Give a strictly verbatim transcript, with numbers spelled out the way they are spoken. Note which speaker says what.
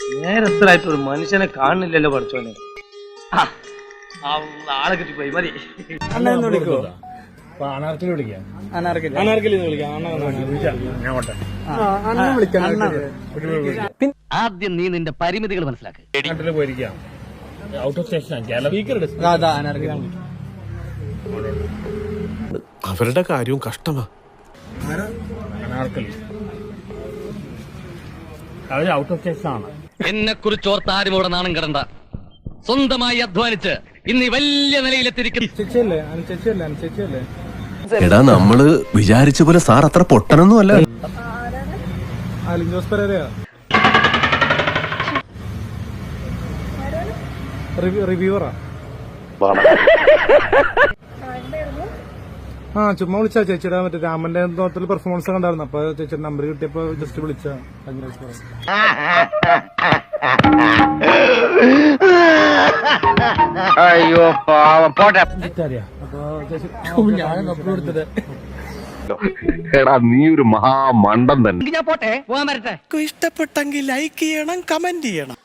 Speaker 1: നേരത്തിലായിട്ട് ഒരു മനുഷ്യനെ കാണുന്നില്ലല്ലോ പഠിച്ചോനെ. ആളെ കിട്ടിപ്പോയി മതി.
Speaker 2: അണ്ണ വിളിക്കോ?
Speaker 3: അനാർക്കലി വിളിക്കാം.
Speaker 2: അനാർക്കലി
Speaker 3: അനാർക്കലി വിളിക്കാം.
Speaker 2: അണ്ണ വിളിക്കാം.
Speaker 4: ആദ്യം നീ നിന്റെ പരിമിതികൾ മനസ്സിലാക്കുക.
Speaker 3: നാട്ടിൽ പോയിരിക്കാം. ഔട്ട് ഓഫ് സ്റ്റേഷൻ
Speaker 5: അവരുടെ കാര്യവും കഷ്ടമാ.
Speaker 3: അനാർക്കലി അവര് ഔട്ട് ഓഫ് സ്റ്റേഷൻ ആണ്.
Speaker 4: എന്നെ കുറിച്ച് ഓർത്ത് ആരും ഇവിടെ നാണം കിടണ്ട. സ്വന്തമായി അധ്വാനിച്ച് ഇന്ന് ഈ വലിയ നിലയിലെത്തിരിക്കുന്നു.
Speaker 3: ചേച്ചിയല്ലേ ചേച്ചിയല്ലേ ചേച്ചിയല്ലേ
Speaker 5: എടാ നമ്മള് വിചാരിച്ച പോലെ സാർ അത്ര പൊട്ടനൊന്നും അല്ല.
Speaker 3: ജോസ് പെരേരയാ റിവ്യൂവറാ. ആ ചുമ്മാ വിളിച്ചാ ചേച്ചിയുടെ മറ്റേ രാമന്റെ തോട്ടത്തിൽ പെർഫോമൻസ് കണ്ടായിരുന്നു. അപ്പൊ ചേച്ചിയുടെ നമ്പർ കിട്ടിയപ്പോ ജസ്റ്റ് വിളിച്ച.
Speaker 4: അയ്യോ പോട്ടെ.
Speaker 6: എടാ നീ ഒരു മഹാമണ്ടൻ തന്നെ.
Speaker 4: ഞാൻ പോട്ടെ, പോകാൻ വരട്ടെ.
Speaker 2: ഇഷ്ടപ്പെട്ടെങ്കിൽ ലൈക്ക് ചെയ്യണം, കമന്റ് ചെയ്യണം.